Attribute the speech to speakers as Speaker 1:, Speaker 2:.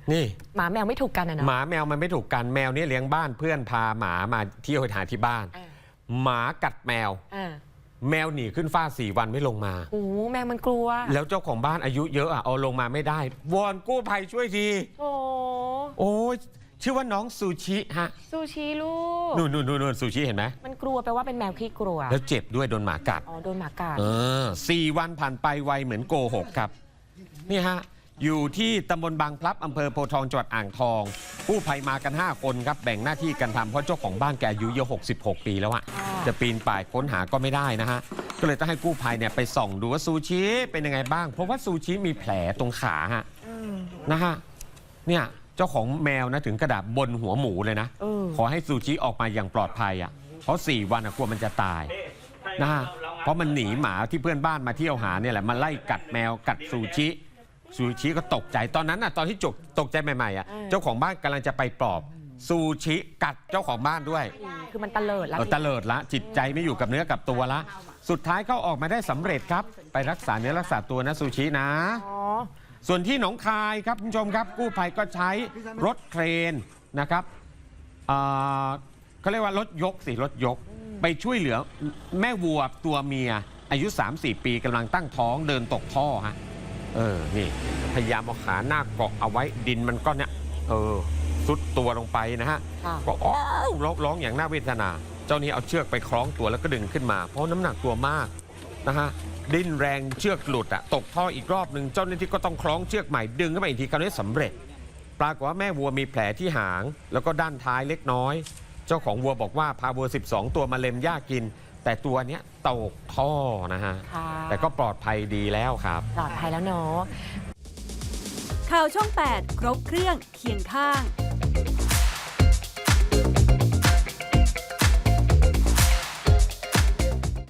Speaker 1: นี่
Speaker 2: หมาแมวไม่ถูกกันนะเนาะ
Speaker 1: หมาแมวมันไม่ถูกกันแมวเนี่ยเลี้ยงบ้านเพื่อนพาหมามาเที่ยวหาที่บ้านหมากัดแมวแมวหนีขึ้นฟ้า4 วันไม่ลงมา
Speaker 2: โอ้แมวมันกลัว
Speaker 1: แล้วเจ้าของบ้านอายุเยอะเอาลงมาไม่ได้วอนกู้ภัยช่วยทีโอ้ยชื่อว่าน้องซูชิฮะ
Speaker 2: ซูชิลูก
Speaker 1: นู่นซูชิเห็นไหม
Speaker 2: มันกลัวแปลว่าเป็นแมวขี้กลัว
Speaker 1: แล้วเจ็บด้วยโดนหมากัด
Speaker 2: โดนหมากัด
Speaker 1: 4 วันผ่านไปไวเหมือนโกหกครับนี่ฮะอยู่ที่ตำบลบางพลับอำเภอโพธิ์ทองจังหวัดอ่างทองกู้ภัยมากัน5 คนครับแบ่งหน้าที่กันทำเพราะเจ้าของบ้านแกอายุเยอะ66 ปีแล้วอะจะปีนป่ายค้นหาก็ไม่ได้นะฮะก็เลยต้องให้กู้ภัยเนี่ยไปส่องดูว่าซูชิเป็นยังไงบ้างเพราะว่าซูชิมีแผลตรงขาฮะนะฮะเนี่ยเจ้าของแมวนะถึงกระดาษบนหัวหมูเลยนะขอให้ซูชิออกมาอย่างปลอดภัยอ่ะเพราะ4 วันกลัวมันจะตายนะฮะเพราะมันหนีหมาที่เพื่อนบ้านมาเที่ยวหาเนี่ยแหละมาไล่กัดแมวกัดซูชิก็ตกใจตอนนั้นน่ะตอนที่ตกใจใหม่ๆอ่ะเจ้าของบ้านกำลังจะไปปลอบซูชิกัดเจ้าของบ้านด้วย
Speaker 2: คือมันตะเลิดแล้ว
Speaker 1: ตะเลิดละจิตใจไม่อยู่กับเนื้อกับตัวละสุดท้ายเขาออกมาได้สำเร็จครับไปรักษาเนื้อรักษาตัวนะซูชินะส่วนที่หนองคายครับคุณผู้ชมครับกู้ภัยก็ใช้รถเครนนะครับเขาเรียกว่ารถยกไปช่วยเหลือแม่วัวตัวเมียอายุ 3-4 ปีกำลังตั้งท้องเดินตกท่อฮะนี่พยายามเอาขาหน้าเกาะเอาไว้ดินมันก็เนี่ยซุดตัวลงไปนะฮะก็ร้องอย่างน่าเวทนาเจ้านี้เอาเชือกไปคล้องตัวแล้วก็ดึงขึ้นมาเพราะน้ำหนักตัวมากนะฮะดิ้นแรงเชือกหลุดตกท่ออีกรอบหนึ่งเจ้าหน้าที่ก็ต้องคล้องเชือกใหม่ดึงขึ้นมาอีกทีคราวนี้สำเร็จปรากฏว่าแม่วัวมีแผลที่หางแล้วก็ด้านท้ายเล็กน้อยเจ้าของวัวบอกว่าพาวัว12 ตัวมาเล็มหญ้ากินแต่ตัวเนี้ยตกท่อนะฮะแต่ก็ปลอดภัยดีแล้วครับ
Speaker 2: ปลอดภัยแล้วเนาะ
Speaker 3: ข่าวช่อง 8 ครบเครื่องเคียงข้าง